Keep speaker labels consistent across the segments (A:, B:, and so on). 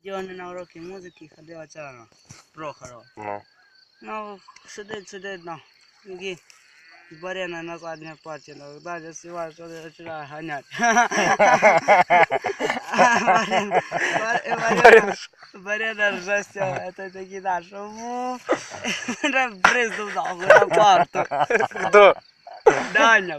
A: Діони на уроки музики ходила ця Прохорова.
B: Ну.
A: Ну, сидить, і Барена на задній парті, далі співає, що не починає ганяти. Барена рже з цього, це такий наш, бризнув нахуй на парту.
B: Хто?
A: Даня.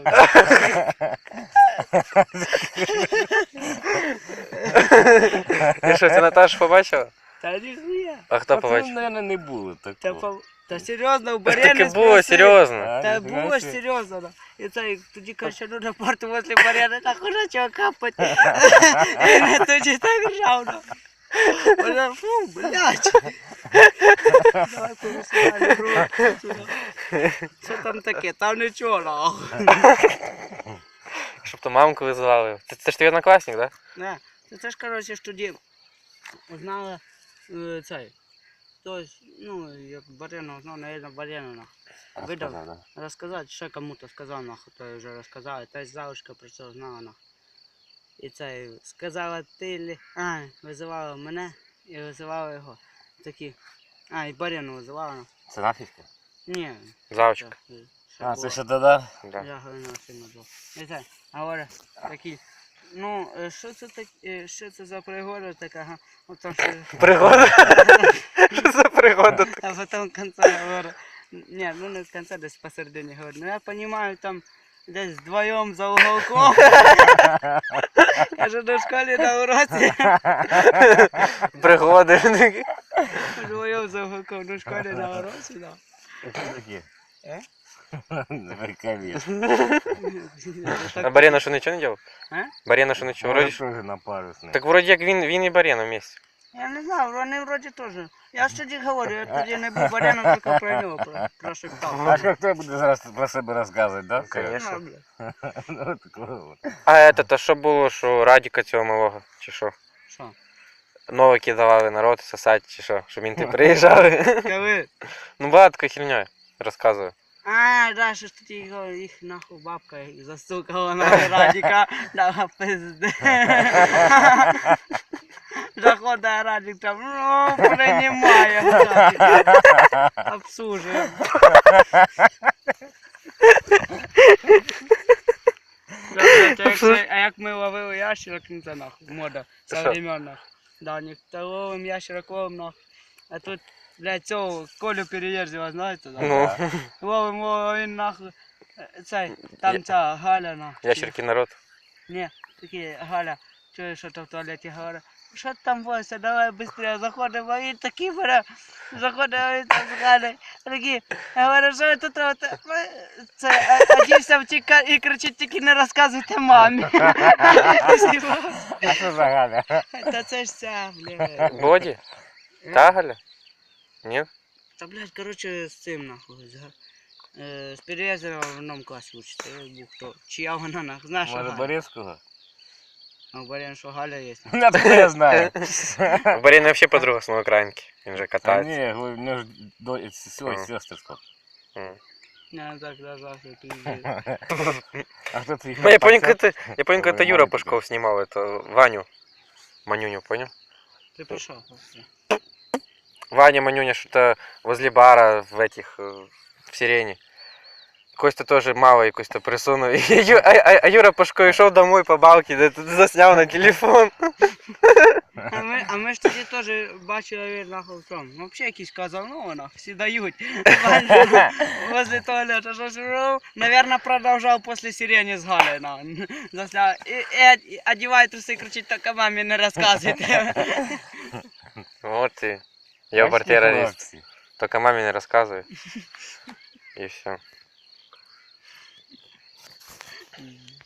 B: І що, ти Наташу побачила?
A: Та ніхуя.
B: А хто
C: Це,
B: побачив?
C: мабуть, не було такого.
A: Та серйозно, у
B: Так
A: Барени
B: і було, серйозно.
A: Та було серйозно. І це тоді каже, ну на порту возле Барени, так уже чого капати. І тоді так ржав. Вона, фу, блядь. Давай порусували, бро. Що там таке? Там нічого, нахуй.
B: Щоб то мамку визивали. Це ж твій однокласник, так?
A: Не, це ж, коротше, ж тоді узнала цей. Тобто, ну, як Барена узнав, наверное, Барена, нахуй. Видав, розказати, ще кому-то сказав, нахуй, то вже розказали. Та й завушка про це знала, нахуй. І це сказала ти, визивала мене і визивала його. Такі, і Барену визивала, нахуй.
C: Це нафіжка?
A: Ні.
B: Завочка.
C: А, це
A: було.
C: ще тоді?
B: Да.
A: Я говорю, сильно був. І це, говорю, такі, ну, що це таке, що це за пригода така, ага. От там що...
B: Пригода? Що за пригода?
A: А потом в конце говорю, не, ну не в конце, десь посередині говорю, ну я понимаю, там десь вдвоєм за уголком. Кажу, до школі на уроці.
B: Пригоди.
A: Вдвоєм за уголком, до школі на уроці, да.
C: Такі.
A: Е?
C: Приколіс.
B: А Барена що нічого не робив?
A: А?
B: Барена що нічого? Вроді...
C: Теж на парусний.
B: Так вроді як він і Барена вместе.
A: Я не знаю, вони вроді теж. Я ж тоді говорю, я тоді не був Баряном, тільки про нього прошептав.
C: А що хто буде зараз про себе розказувати, да?
B: Конечно.
C: Ну, такого.
B: А це що було, що Радіка цього малого, чи що?
A: Що?
B: Новики давали народ сосати, чи що? Щоб мінти приїжджали.
A: Коли?
B: Ну багато такою херньою розказую.
A: Да, що ж тоді їх нахуй бабка застукала на Радіка, дала пизди. Заходить Радік там, ну, приймає, обслужує. А як ми ловили ящерок, ну це нахуй, мода современна. Да, ніхто ловим ящерок, ловим нахуй. А тут, блядь, цього Колю Переверзева, знаєте, да?
B: Ну,
A: Ловим, він нахуй, цей, там ця Галя нахуй.
B: ящерки народ.
A: Ні, такі, Галя, чуєш, що то в туалеті говорить, що ти там бойся, давай швидше, заходимо, а він такий бере, заходимо, він там з Галею, такі, говорю, що ви тут робите? Це, одівся втікає і кричить, тільки не розказуйте мамі.
C: А що за Галя?
A: Та це ж ця, блядь.
B: Боді? Та Галя? Ні?
A: Та, блядь, короче, з цим, нахуй, з Переверзева в одному класі учиться, я був хто, чия вона, нахуй, знаєш, що
C: Може
A: Галя?
C: Борецького?
A: А у Баряна що Галя є?
C: Ну, так я знаю.
B: У Барена взагалі подруга з Новоукраїнки. Він же
C: А
B: катається.
C: ні, у нього ж сестри сколько.
A: Не, так, даже, пиздец.
C: А хто твій?
B: Ну, я помню, когда Юра Пушков снимал это, Ваню. Манюню, понял?
A: Ты пошел.
B: Ваня, Манюня, что-то возле бара в этих, в Сирене. Костя тоже мало и Костя присунул. А Юра Пашко шел домой по балке, заснял на телефон.
A: А ми ж тоді теж бачили, нахуй, в тому. Ну, взагалі якийсь казанова, нахуй, всі дають. Возле туалета, що ж, наверное, продовжав після Сирени з Галею, нахуй. Засняв. І одіває труси, кричить, тільки мамі не розказуйте.
B: Вот и я террорист. Только маме не рассказывай. И все.